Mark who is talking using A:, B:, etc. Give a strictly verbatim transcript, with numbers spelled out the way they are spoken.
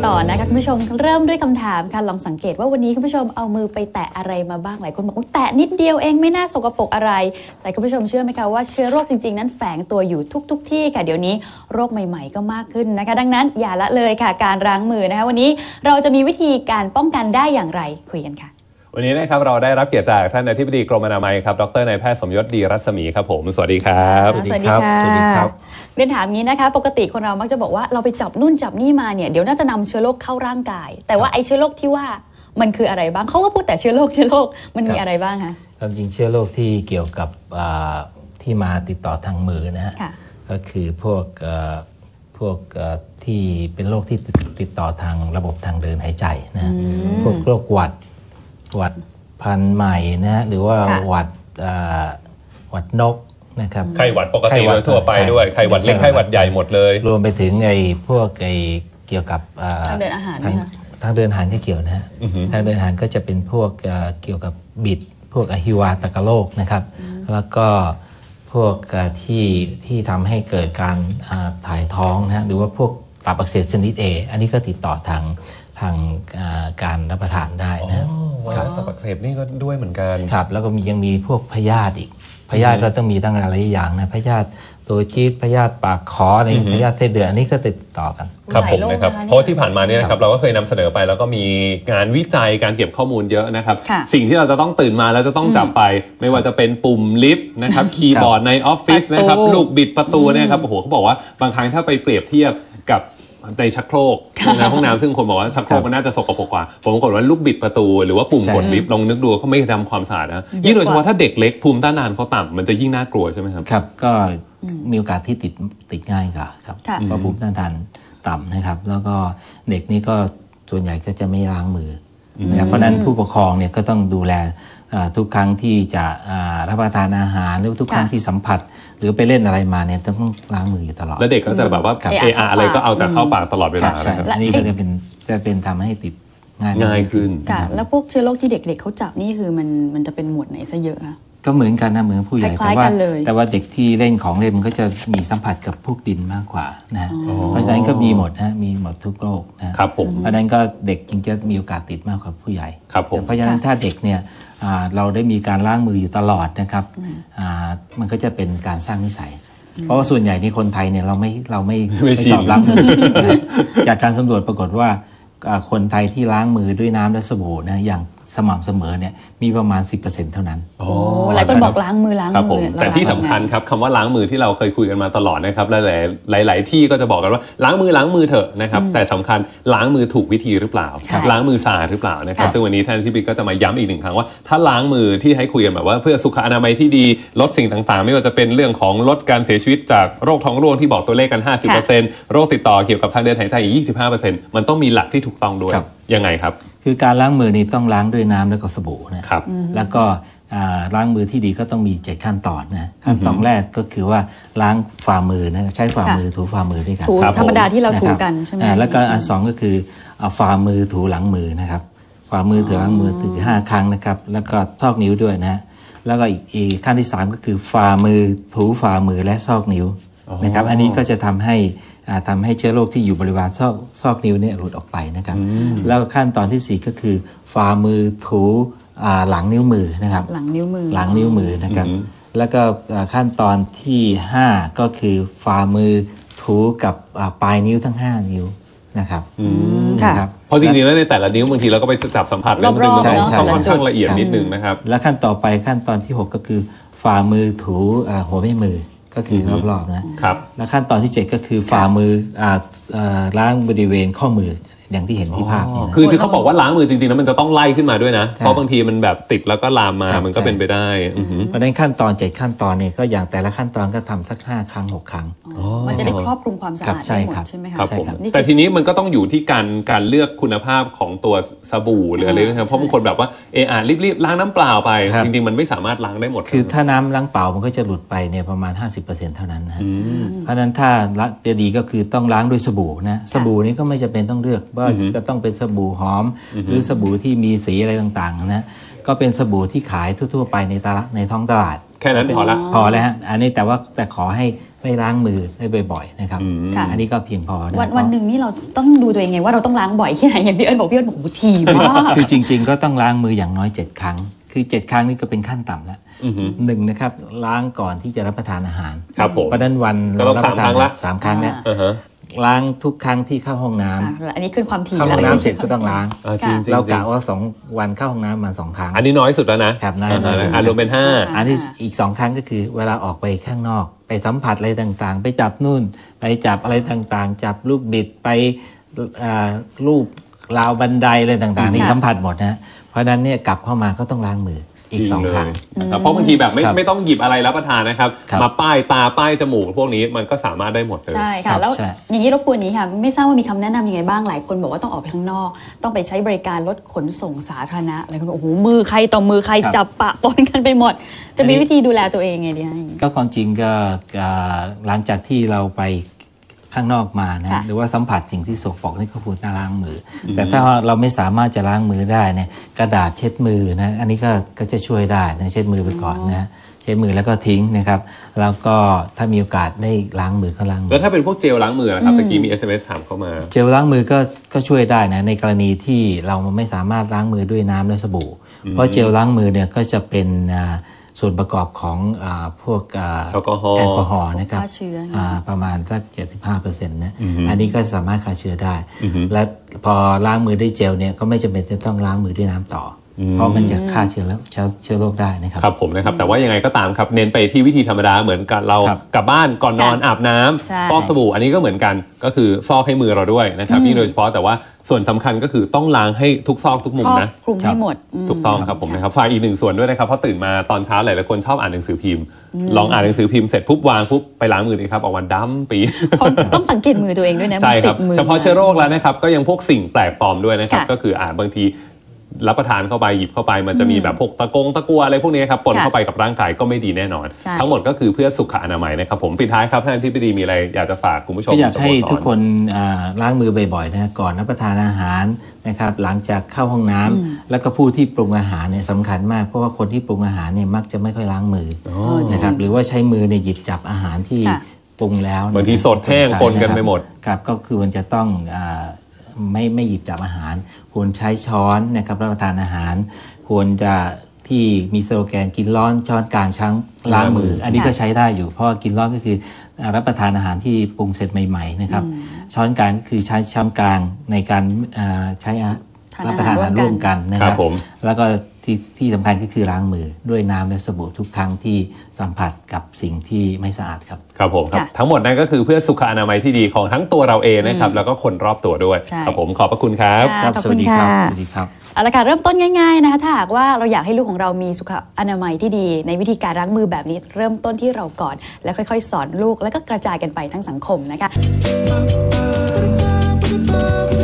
A: ต่อนะคะคุณผู้ชมเริ่มด้วยคำถามค่ะลองสังเกตว่าวันนี้คุณผู้ชมเอามือไปแตะอะไรมาบ้างหลายคนบอกว่าแตะนิดเดียวเองไม่น่าสกปรกอะไรแต่คุณผู้ชมเชื่อไหมคะว่าเชื้อโรคจริงๆนั้นแฝงตัวอยู่ทุกๆที่ค่ะเดี๋ยวนี้โรคใหม่ๆก็มากขึ้นนะคะดังนั้นอย่าละเลยค่ะการล้างมือนะคะวันนี้เราจะมีวิธีการป้องกันได้อย่างไรคุยกันค่ะ
B: วันนี้นะครับเราได้รับเกียรติจากท่านอธิบดีกรมอนามัยครับดรนายแพทย์สมยศดีรัศมีครับผมสวัสดีครับ
A: สวัสดีครับสวัสดีครับเรียนถามงี้นะคะปกติคนเรามักจะบอกว่าเราไปจับนู่นจับนี่มาเนี่ยเดี๋ยวน่าจะนำเชื้อโรคเข้าร่างกายแต่ว่าไอ้เชื้อโรคที่ว่ามันคืออะไรบ้างเขาก็พูดแต่เชื้อโรคเชื้อโรคมันมีอะไรบ้างคะ
C: ความจริงเชื้อโรคที่เกี่ยวกับที่มาติดต่อทางมือนะฮะก็คือพวกพวกที่เป็นโรคที่ติดต่อทางระบบทางเดินหายใจนะพวกโรคหวัดหวัดพันธุ์ใหม่นะฮะหรือว่าหวัดหวัดนกนะครับ
B: ไข้หวัดปกติโดยทั่วไปด้วยไข้หวัดเล็กไข้หวัดใหญ่หมดเลย
C: รวมไปถึงไอ้พวกไอ้เกี่ยวกับ
A: ทางเดินอาหารนะคะ
C: ทางเดินอาหารก็เกี่ยวนะฮะทางเดินอาหารก็จะเป็นพวกเกี่ยวกับบิดพวกอหิวาตกโรคนะครับแล้วก็พวกที่ที่ทำให้เกิดการถ่ายท้องนะหรือว่าพวกตับอักเสบชนิด A อันนี้ก็ติดต่อทางทางการรับประทานได้นะ
B: ไวรัสตับอักเสบนี่ก็ด้วยเหมือนกัน
C: ครับแล้วก็มียังมีพวกพยาธิอีกพยาธิก็ต้องมีตั้งหลายอย่างนะพยาธิตัวจี๊ดพยาธิปากขออะไรพยาธิเส้นเดือนอันนี้ก็ติดต่อกัน
B: ครับผมนะครับเพราะที่ผ่านมาเนี่ยนะครับเราก็เคยนำเสนอไปแล้วก็มีงานวิจัยการเก็บข้อมูลเยอะนะครับสิ่งที่เราจะต้องตื่นมาแล้วจะต้องจับไปไม่ว่าจะเป็นปุ่มลิฟต์นะครับคีย์บอร์ดในออฟฟิศนะครับลูกบิดประตูเนี่ยครับโอ้โหเขาบอกว่าบางครั้งถ้าไปเปรียบเทียบกับในชักโครกในห้องน้ำซึ่งคนบอกว่าชักโครกมันน่าจะสกปรกกว่าผมบอกว่าลูกบิดประตูหรือว่าปุ่มกดลิฟต์ลองนึกดูเขาไม่ทำความสะอาดนะยิ่งโดยเฉพาะถ้าเด็กเล็กภูมิต้านทานเขาต่ำมันจะยิ่งน่ากลัวใช่ไหมครับ
C: ครับก็มีโอกาสที่ติดติดง่ายกว่าครับเพราะภูมิต้านทานต่ำนะครับแล้วก็เด็กนี่ก็ส่วนใหญ่ก็จะไม่ล้างมือนะครับเพราะนั้นผู้ปกครองเนี่ยก็ต้องดูแลทุกครั้งที่จะรับประทานอาหารหรือทุกครั้งที่สัมผัสหรือไปเล่นอะไรมาเนี่ยต้องล้างมืออยู่ตลอด
B: แล้วเด็กก็จะแบบว่าเอออะไรก็เอาแต่เข้าปากตลอดเวลา
C: อันนี้ก็จะเป็นจะเป็นทำให้ติดง่าย
B: ง่ายขึ้น
A: แล้วพวกเชื้อโรคที่เด็กๆเขาจับนี่คือมันมันจะเป็นหมวดไหนซะเยอะคะ
C: ก็เหมือนกันนะเหมือนผู้ใหญ่แต่ว่าแต่ว่าเด็กที่เล่นของเล่นมันก็จะมีสัมผัสกับพวกดินมากกว่านะเพราะฉะนั้นก็มีหมดนะมีหมดทุกโรคนะครับ
B: ผม
C: เพราะฉะนั้นก็เด็กจริงจะมีโอกาสติดมากกว่าผู้ใหญ่
B: ครับผม
C: เพราะฉะนั้นถ้าเด็กเนี่ยเราได้มีการล้างมืออยู่ตลอดนะครับมันก็จะเป็นการสร้างนิสัยเพราะว่าส่วนใหญ่ในคนไทยเนี่ยเราไม่เราไม่ไม่ชอบล้างมือจากการสำรวจปรากฏว่าคนไทยที่ล้างมือด้วยน้ำและสบู่นะอย่างสม่ำเสมอเนี่ยมีประมาณ สิบเปอร์เซ็นต์ เท่านั้น
A: โอ้หลายคนบอกล้างมือล้างมือ
B: แต่ที่สำคัญครับคำว่าล้างมือที่เราเคยคุยกันมาตลอดนะครับหลายๆหลายๆที่ก็จะบอกกันว่าล้างมือล้างมือเถอะนะครับแต่สำคัญล้างมือถูกวิธีหรือเปล่าล้างมือสะอาดหรือเปล่านะครับซึ่งวันนี้ท่านที่บิ๊กก็จะมาย้ำอีกหนึ่งครั้งว่าถ้าล้างมือที่ให้คุยกันแบบว่าเพื่อสุขอนามัยที่ดีลดสิ่งต่างๆไม่ว่าจะเป็นเรื่องของลดการเสียชีวิตจากโรคท้องร่วงที่บอกตัวเลขกัน ห้าสิบเปอร์เซ็นต์ โรคติดต่อเกี่ยวกับทางเดินหายใจอีก ยี่สิบห้าเปอร์เซ็นต์ มันต้องมีหลักที่ถูกต้องด้วยยังไงครับ
C: คือการล้างมือนี่ต้องล้างด้วยน้ำแล้วก็สบู่นะครับแล้วก็ล้างมือที่ดีก็ต้องมีเจ็ดขั้นตอนนะขั้นตอนแรกก็คือว่าล้างฝ่ามือนะใช้ฝ่ามือถูฝ่ามือด้วยกัน
A: ถูธรรมดาที่เราถูกันใช่ไหม
C: แล้วก็อันสองก็คือเอาฝ่ามือถูหลังมือนะครับฝ่ามือถูหลังมือถึงห้าครั้งนะครับแล้วก็ซอกนิ้วด้วยนะแล้วก็อีกขั้นที่สามก็คือฝ่ามือถูฝ่ามือและซอกนิ้วนะครับอันนี้ก็จะทำให้ทำให้เชื้อโรคที่อยู่บริเวณซอกซอกนิ้วเนี่ยหลุดออกไปนะครับแล้วขั้นตอนที่สี่ก็คือฝ่ามือถูหลังนิ้วมือนะครับ
A: หลังนิ้วมือ
C: หลังนิ้วมือนะครับแล้วก็ขั้นตอนที่ห้าก็คือฝ่ามือถูกับปลายนิ้วทั้งห้านิ้วนะครับ
B: ครับเพราะจริงๆแล้วในแต่ละนิ้วบางทีเราก็ไปจับสัมผัสแล้วมันต้องค่อนข้างละเอียดนิดนึงนะครับ
C: แล้วขั้นต่อไปขั้นตอนที่หกก็คือฝ่ามือถูหัวแม่มือก็คือรอบๆนะครับแล้วขั้นตอนที่เจ็ดก็คือฝ่ามือล้างบริเวณข้อมืออย่างที่เห็นที่ภาพนี่
B: คือที่เขาบอกว่าล้างมือจริงๆแล้วมันจะต้องไล่ขึ้นมาด้วยนะเพราะบางทีมันแบบติดแล้วก็ลามมามันก็เป็นไปได้
C: เพราะฉะนั้นขั้นตอนเจ็ดขั้นตอนเนี่ยก็อย่างแต่ละขั้นตอนก็ทำสักห้าครั้งหกครั้ง
A: มันจะได้ครอบคลุมความสะอาดได้หมดใช่ไหมคะ
B: แต่ทีนี้มันก็ต้องอยู่ที่การการเลือกคุณภาพของตัวสบู่หรืออะไรนะครับเพราะบางคนแบบว่าเออรีบๆล้างน้ำเปล่าไปจริงๆมันไม่สามารถล้างได้หมด
C: คือถ้าน้ำล้างเปล่ามันก็จะหลุดไปเนี่ยประมาณ ห้าสิบเปอร์เซ็นต์ เท่านั้นนะเพราะฉะนั้นถ้าจะดีก็คือต้องล้างด้วยสบู่นะสบู่นี้ก็ไม่จำเป็นต้องเลือกว่าจะต้องเป็นสบู่หอมหรือสบู่ที่มีสีอะไรต่างๆนะก็เป็นสบู่ที่ขายทั่วๆไปในตลาดในท้องตลาด
B: แค่นั้นพอละ
C: พอแล้วฮะอันนี้แต่ว่าแต่ขอให้ไม่ล้างมือได้บ่อยๆนะครับอันนี้ก็เพียงพอนะ
A: วันวันหนึ่งนี่เราต้องดูตัวเองไงว่าเราต้องล้างบ่อยแค่ไหนอย่างพี่เอิญบอกพี่เอิญบอกทีมาก
C: คือจริงๆก็ต้องล้างมืออย่างน้อยเจ็ดครั้งคือเจ็ดครั้งนี่ก็เป็นขั้นต่ำแล้วหนึ่งนะครับล้างก่อนที่จะรับประทานอาหารเพราะนั้นวัน
B: เรารับประทานละ
C: สามครั้งเนี่ยล้างทุกครั้งที่เข้าห้องน้ำ
A: อันนี้ขึ้นความถี่
C: เข้าห้องน้ำเสร็จก็ต้องล้างเรากะว่าสองวันเข้าห้องน้ำมาสองครั้ง
B: อันนี้น้อยสุดแล้วนะครับ
C: น้อยสุด
B: รวมเป็นห้า
C: อันที่อีกสองครั้งก็คือเวลาออกไปข้างนอกไปสัมผัสอะไรต่างๆไปจับนู่นไปจับอะไรต่างๆจับลูกบิดไปลูบราวบันไดอะไรต่างๆนี่สัมผัสหมดนะเพราะนั้นเนี่ยกลับเข้ามาก็ต้องล้างมืออีกสองครั้ง
B: นะครับเพราะบางทีแบบไม่ไม่ต้องหยิบอะไรรับประทานนะครับมาป้ายตาป้ายจมูกพวกนี้มันก็สามารถได้หมดเลย
A: ใช่ค่ะแล้วอย่างนี้รบกวนนี้ค่ะไม่ทราบว่ามีคำแนะนำยังไงบ้างหลายคนบอกว่าต้องออกไปข้างนอกต้องไปใช้บริการรถขนส่งสาธารณะอะไรคนบอกโอ้โหมือใครต่อมือใครจับปะปนกันไปหมดจะมีวิธีดูแลตัวเองไงดี
C: ก็ความจริงก็หลังจากที่เราไปข้างนอกมานะหรือว่าสัมผัสสิ่งที่สกปรกนี่ก็ควรจะล้างมือแต่ถ้าเราไม่สามารถจะล้างมือได้เนี่ยกระดาษเช็ดมือนะอันนี้ก็ก็จะช่วยได้นะเช็ดมือไปก่อนนะเช็ดมือแล้วก็ทิ้งนะครับแล้วก็ถ้ามีโอกาสได้ล้างมือก็ล้างมือ
B: แล้วถ้าเป็นพวกเจลล้างมือนะครับเมื่อกี้มี เอส เอ็ม เอส ถามเข้ามา
C: เจลล้างมือก็ก็ช่วยได้นะในกรณีที่เราไม่สามารถล้างมือด้วยน้ำและสบู่เพราะเจลล้างมือเนี่ยก็จะเป็นส่วนประกอบของอ่าพวกอ่า
B: แอลกอฮอล์
C: แอลกอฮอล์นะครับอ่าประมาณสัก เจ็ดสิบห้าเปอร์เซ็นต์ นะอันนี้ก็สามารถฆ่าเชื้อได้และพอล้างมือด้วยเจลเนี่ยก็ไม่จำเป็นจะต้องล้างมือด้วยน้ำต่อเพราะมันจะฆ่าเชื้อแล้วเชื้อโรคได้นะครับ
B: ครับผมนะครับแต่ว่ายังไงก็ตามครับเน้นไปที่วิธีธรรมดาเหมือนกับเรากลับบ้านก่อนนอนอาบน้ำฟอกสบู่อันนี้ก็เหมือนกันก็คือฟอกให้มือเราด้วยนะครับนี่โดยเฉพาะแต่ว่าส่วนสำคัญก็คือต้องล้างให้ทุกซอกทุกมุมนะ
A: คลุมให้หมด
B: ถูกต้องครับผมนะครับฝากอีกหนึ่งส่วนด้วยนะครับเพราะตื่นมาตอนเช้าหลายๆคนชอบอ่านหนังสือพิมพ์ลองอ่านหนังสือพิมพ์เสร็จปุ๊บวางปุ๊บไปล้างมือเลยครับออกมาดำปี
A: ต้องสังเกตมือตัวเองด้วยนะ
B: ใช่ครับเฉพาะเชื้อโรคแล้วนะครับก็ยังพวกสิ่งแปลกปลอมด้วยนะครับก็คืออ่าบางทีรับประทานเข้าไปหยิบเข้าไปมันจะมีแบบพวกตะกงตะกัวอะไรพวกนี้ครับปนเข้าไปกับร่างกายก็ไม่ดีแน่นอนทั้งหมดก็คือเพื่อสุขอนามัยนะครับผมปิดท้ายครับท่านที่ปดีมีอะไรอยากจะฝากคุณผู้ชม
C: ก็อยากให้ทุกคนล้างมือบ่อยๆนะก่อนรับประทานอาหารนะครับหลังจากเข้าห้องน้ำแล้วก็ผู้ที่ปรุงอาหารเนี่ยสำคัญมากเพราะว่าคนที่ปรุงอาหารเนี่ยมักจะไม่ค่อยล้างมือนะครับหรือว่าใช้มือเนี่ยหยิบจับอาหารที่ปรุงแล้ว
B: บางทีสดแห้งปนกันไปหมด
C: ครับก็คือมันจะต้องไม่ไม่หยิบจับอาหารควรใช้ช้อนนะครับรับประทานอาหารควรจะที่มีสโลแกนกินร้อนช้อนกลางช้างล้างมืออันนี้ก็ใช้ได้อยู่เพราะกินร้อนก็คือรับประทานอาหารที่ปรุงเสร็จใหม่ๆนะครับช้อนกลางก็คือใช้ช้อนกลางในการใช้รับประทานอาหารร่วมกันนะครับแล้วก็ที่ที่สำคัญก็คือล้างมือด้วยน้ำและสบู่ทุกครั้งที่สัมผัสกับสิ่งที่ไม่สะอาดครับ
B: ครับผมครับทั้งหมดนั้นก็คือเพื่อสุขอนามัยที่ดีของทั้งตัวเราเองนะครับแล้วก็คนรอบตัวด้วยครับผมขอบพระคุณครับ
C: ครับสวัสดีครับสวัสดีครับ
A: เอาละค่ะเริ่มต้นง่ายๆนะคะถ้าหากว่าเราอยากให้ลูกของเรามีสุขอนามัยที่ดีในวิธีการล้างมือแบบนี้เริ่มต้นที่เราก่อนแล้วค่อยๆสอนลูกแล้วก็กระจายกันไปทั้งสังคมนะคะ